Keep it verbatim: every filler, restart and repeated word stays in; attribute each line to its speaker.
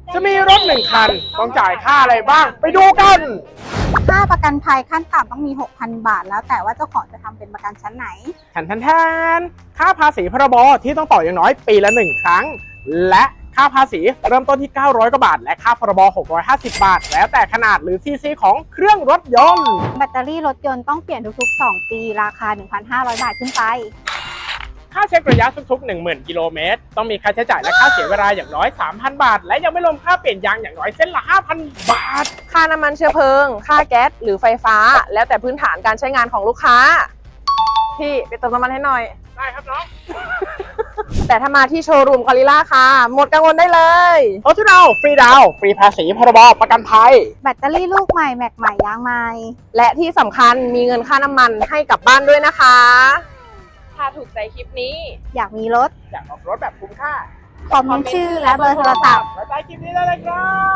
Speaker 1: จะมีรถหนึ่งคันต้องจ่ายค่าอะไรบ้างไปดูกัน
Speaker 2: ค่าประกันภัยขั้นต่ำต้องมี หกพัน บาท แล้วแต่ว่าเจ้าของจะทำเป็นประกันชั้นไหน
Speaker 1: แทนแทนแทนค่าภาษีพรบที่ต้องต่ออย่างน้อยปีละหนึ่งครั้งและค่าภาษีเริ่มต้นที่เก้าร้อยกว่าบาทและค่าพรบหกร้อยห้าสิบบาทแล้วแต่ขนาดหรือซีซีของเครื่องรถยนต์
Speaker 2: แบตเตอรี่รถยนต์ต้องเปลี่ยนทุกๆ สอง ปีราคา หนึ่งพันห้าร้อย บาทขึ้นไป
Speaker 1: ค่าเช็คระยะทุกๆ หนึ่งหมื่น กิโลเมตรต้องมีค่าใช้จ่ายและค่าเสียเวลาอย่างน้อย สามพัน บาทและยังไม่รวมค่าเปลี่ยนยางอย่างน้อยเส้นละ ห้าพัน บาท
Speaker 3: ค่าน้ำมันเชื้อเพลิง ค่าแก๊สหรือไฟฟ้า แล้วแต่พื้นฐานการใช้งานของลูกค้า พี่ไปเติมน้ำมันให้หน่อย
Speaker 1: ได้ครับน้อง
Speaker 3: แต่ถ้ามาที่โชว์รูมกอริลล่าค่ะ หมดกังวลได้เลย
Speaker 1: รถที่เราฟรีดาวน์ฟรีภาษีพรบประกันภัย
Speaker 2: แบตเตอรี่ลูกใหม่แม็กใหม่ยางใหม่
Speaker 3: และที่สำคัญมีเงินค่าน้ำมันให้กลับบ้านด้วยนะคะ ถ้าถูกใจคลิปนี้
Speaker 2: อยากมีรถ
Speaker 1: อยากออกรถแบบคุ้มค่า
Speaker 2: คอมเมนต์ชื่อและเบอร์โทรศัพท์
Speaker 1: ไว้ใต้คลิปนี้ได้เลยครับ